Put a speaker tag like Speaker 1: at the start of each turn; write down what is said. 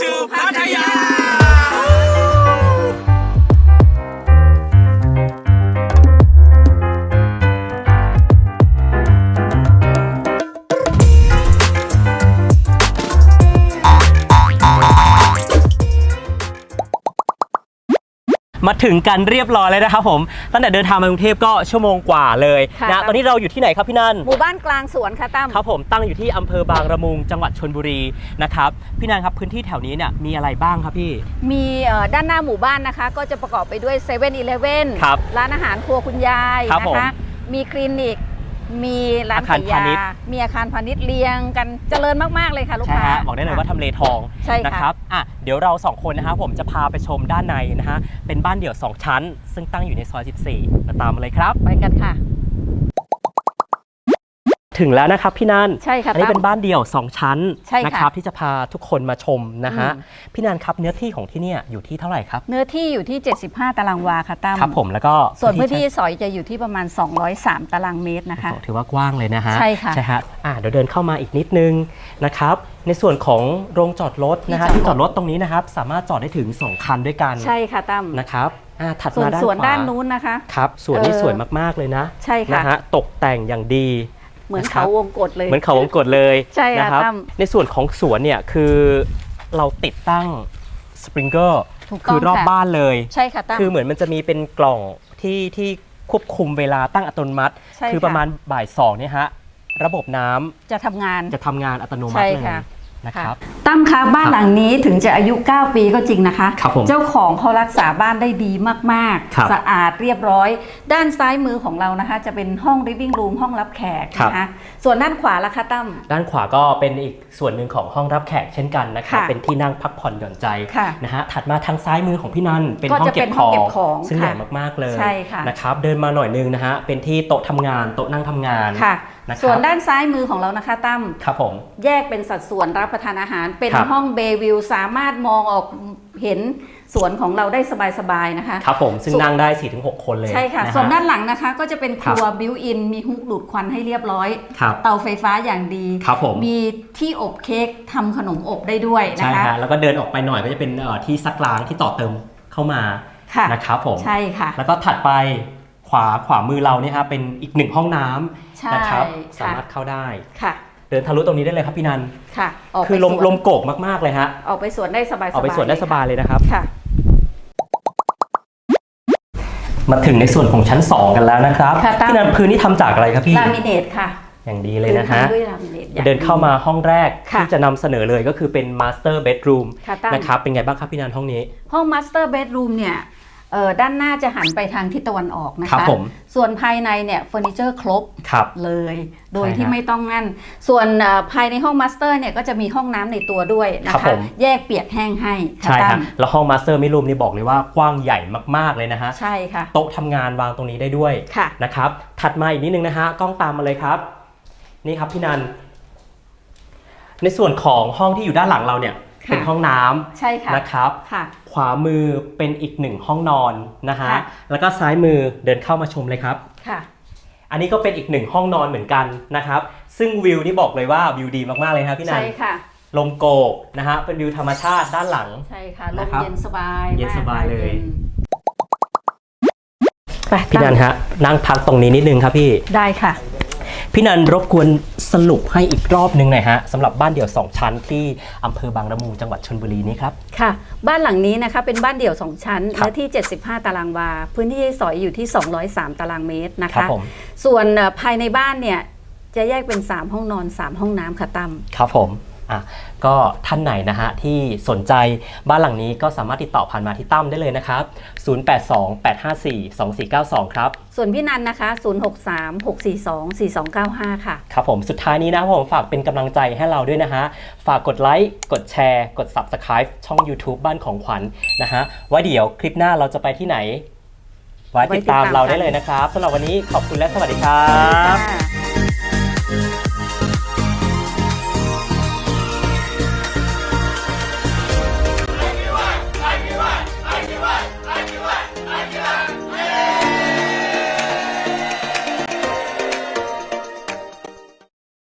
Speaker 1: to พัทยา
Speaker 2: มาถึงกันเรียบร้อยเลยนะครับผมตั้งแต่เดินทางมากรุงเทพก็ชั่วโมงกว่าเลยนะตอนนี้เราอยู่ที่ไหนครับพี่นัน
Speaker 3: หมู่บ้านกลางสวนค่ะตั้ม
Speaker 2: ครับผมตั้งอยู่ที่อำเภอบางละมุงจังหวัดชลบุรีนะครับพี่นันครับพื้นที่แถวนี้เนี่ยมีอะไรบ้างครับพี่
Speaker 3: มีด้านหน้าหมู่บ้านนะคะก็จะประกอบไปด้วย7-Eleven ร้านอาหารครัวคุณยายนะคะมีคลินิกมีร้านขายยามีอาคารพาณิชย์เรียงกันเจริญมากๆเลยค่ะลูกค้า
Speaker 2: บอกได้เลยว่าทำเลทองนะครับเดี๋ยวเรา2คนนะครับผมจะพาไปชมด้านในนะฮะเป็นบ้านเดี่ยว2ชั้นซึ่งตั้งอยู่ในซอย14มาตามมาเลยครับ
Speaker 3: ไปกันค่ะ
Speaker 2: ถึงแล้วนะครับพี่นัน
Speaker 3: ใช่ค่ะ
Speaker 2: อันนี้เป็นบ้านเดี่ยว2ชั้นนะครับที่จะพาทุกคนมาชมนะฮะพี่นันครับเนื้อที่ของที่นี่อยู่ที่เท่าไหร่ครับ
Speaker 3: เนื้อที่อยู่ที่75ตารางวาค่ะตั้ม
Speaker 2: ครับผมแล้วก็
Speaker 3: ส่วนพื้นที่สอยจะอยู่ที่ประมาณ203ตารางเมตรนะคะ
Speaker 2: ถือว่ากว้างเลยนะฮะ
Speaker 3: ใช่ค่ะ
Speaker 2: ใช่ฮะเดี๋ยวเดินเข้ามาอีกนิดนึงนะครับในส่วนของโรงจอดรถนะฮะที่จอดรถตรงนี้นะครับสามารถจอดได้ถึง2คันด้วยกัน
Speaker 3: ใช่ค่ะตั้ม
Speaker 2: นะครับถัดมาด้านขวา
Speaker 3: ส่วนด้านนู้นนะคะ
Speaker 2: ครับส่วนนี้สวยมากๆเลยนะ
Speaker 3: ใช่ค่ะ
Speaker 2: นะฮะตกแต่งอย่างดี
Speaker 3: เหมือนเขาวงกตเลย
Speaker 2: เหมือนเขาวงกตเลย
Speaker 3: ใช่
Speaker 2: นะครับในส่วนของสวนเนี่ยคือเราติดตั้งสปริงเกอร์คือรอบบ้านเลย
Speaker 3: ใช่ค่ะตั้ม
Speaker 2: คือเหมือนมันจะมีเป็นกล่องที่ควบคุมเวลาตั้งอัตโนมัติคือประมาณบ่าย2เนี่ยฮะระบบน้ำ
Speaker 3: จะทำงาน
Speaker 2: อัตโนมัติเลย
Speaker 3: นะครับตั้มคะบ้านหลังนี้ถึงจะอายุ9ปีก็จริงนะคะเจ้าของเขารักษาบ้านได้ดีมากๆสะอาดเรียบร้อยด้านซ้ายมือของเรานะคะจะเป็นห้อง living room ห้องรับแขกนะคะส่วนด้านขวาล่ะคะตั้ม
Speaker 2: ด้านขวาก็เป็นอีกส่วนหนึ่งของห้องรับแขกเช่นกันนะคะเป็นที่นั่งพักผ่อนหย่อนใจนะฮะถัดมาทางซ้ายมือของพี่นันเป็นห้องเก็บของซึ่งใหญ่มากๆเลยนะครับเดินมาหน่อยนึงนะฮะเป็นที่โต๊ะทำงานโต๊ะนั่งทำงาน
Speaker 3: ส่วนด้านซ้ายมือของเรานะคะตั้ม
Speaker 2: ครับผม
Speaker 3: แยกเป็นสัดส่วนรับประทานอาหารเป็นห้องเบย์วิวสามารถมองออกเห็นสวนของเราได้สบายๆนะคะ
Speaker 2: ครับผมซึ่งนั่งได้ 4-6 คนเลย
Speaker 3: ใช่ค่ะส่วนด้านหลังนะคะก็จะเป็นครัวบิวอินมีฮุกดูดควันให้เรียบร้อยเตาไฟฟ้าอย่างดีมีที่อบเค้กทำขนมอบได้ด้วยนะคะ
Speaker 2: ใช่ค่ะแล้วก็เดินออกไปหน่อยก็จะเป็นที่ซักล้างที่ต่อเติมเข้ามานะครับผม
Speaker 3: ใช่ค่ะ
Speaker 2: แล้วก็ถัดไปขวามือเราเนี่ยครับเป็นอีก1ห้องน้ำนะครับสามารถเข้าได้
Speaker 3: ค่ะ
Speaker 2: เดินทะลุตรงนี้ได้เลยครับพี่นัน
Speaker 3: ค่ะ
Speaker 2: คือลมโกกมากๆเลยฮะ
Speaker 3: ออกไปสวนได้สบายๆ
Speaker 2: ออกไปสวนได้สบายเลยนะครับ
Speaker 3: ค่ะ
Speaker 2: มาถึงในส่วนของชั้น2กันแล้วนะครับพี่นันพื้นที่ทำจากอะไรครับพี่
Speaker 3: ลามิเนตค่ะ
Speaker 2: อย่างดีเลยนะฮะเดินเข้ามาห้องแรกที่จะนำเสนอเลยก็คือเป็น Master Bedroom นะครับเป็นไงบ้างครับพี่นันห้องนี้
Speaker 3: ห้อง Master Bedroom เนี่ยด้านหน้าจะหันไปทางทิศตะวันออกนะคะส่วนภายในเนี่ยเฟอร์นิเจอร์ครบเลยโดยที่ไม่ต้องงั้นส่วนภายในห้องมาสเตอร์เนี่ยก็จะมีห้องน้ำในตัวด้วยนะคะแยกเปียกแห้งให้
Speaker 2: ใช่ครับแล้วห้องมาสเตอร์มิรูมนี่บอกเลยว่ากว้างใหญ่มากๆเลยนะฮะ
Speaker 3: ใช่ค่ะ
Speaker 2: โต๊ะทำงานวางตรงนี้ได้ด้วยนะครับถัดมาอีกนิดนึงนะฮะกล้องตามมาเลยครับนี่ครับพี่นันในส่วนของห้องที่อยู่ด้านหลังเราเนี่ยเป็นห้องน้ำ
Speaker 3: ใช่ค่ะ
Speaker 2: นะครับขวามือเป็นอีก1ห้องนอนนะฮะแล้วก็ซ้ายมือเดินเข้ามาชมเลยครับ
Speaker 3: ค่ะ
Speaker 2: อันนี้ก็เป็นอีก1ห้องนอนเหมือนกันนะครับซึ่งวิวนี่บอกเลยว่าวิวดีมากๆเลยครับพี่นัน
Speaker 3: ใช่ค่ะ
Speaker 2: ลมโกกนะฮะเป็นวิวธรรมชาติด้านหลัง
Speaker 3: ใช่ค่ะลมเย็นสบาย
Speaker 2: เย็นสบายเลยไปพี่นันฮะนั่งพักตรงนี้นิดนึงครับพี่
Speaker 3: ได้ค่ะ
Speaker 2: พี่นันรบกวนสรุปให้อีกรอบนึงหน่อยฮะสำหรับบ้านเดี่ยว2ชั้นที่อำเภอบางละมุงจังหวัดชลบุรีนี้ครับ
Speaker 3: ค่ะบ้านหลังนี้นะคะเป็นบ้านเดี่ยว2ชั้นเนื้อที่75ตารางวาพื้นที่สอยอยู่ที่203ตารางเมตรนะคะส่วนภายในบ้านเนี่ยจะแยกเป็น3ห้องนอน3ห้องน้ำค่ะตั้ม
Speaker 2: ครับผมก็ท่านไหนนะฮะที่สนใจบ้านหลังนี้ก็สามารถติดต่อผ่านมาที่ตั้มได้เลยนะครับ0828542492ครับ
Speaker 3: ส่วนพี่นันนะคะ0636424295ค่ะ
Speaker 2: ครับผมสุดท้ายนี้นะผมฝากเป็นกำลังใจให้เราด้วยนะฮะฝากกดไลค์กดแชร์กด Subscribe ช่อง YouTube บ้านของขวัญนะฮะไว้เดี๋ยวคลิปหน้าเราจะไปที่ไหนไว้ติดตามเราได้เลยนะครับสำหรับวันนี้ขอบคุณและสวัสดีครับ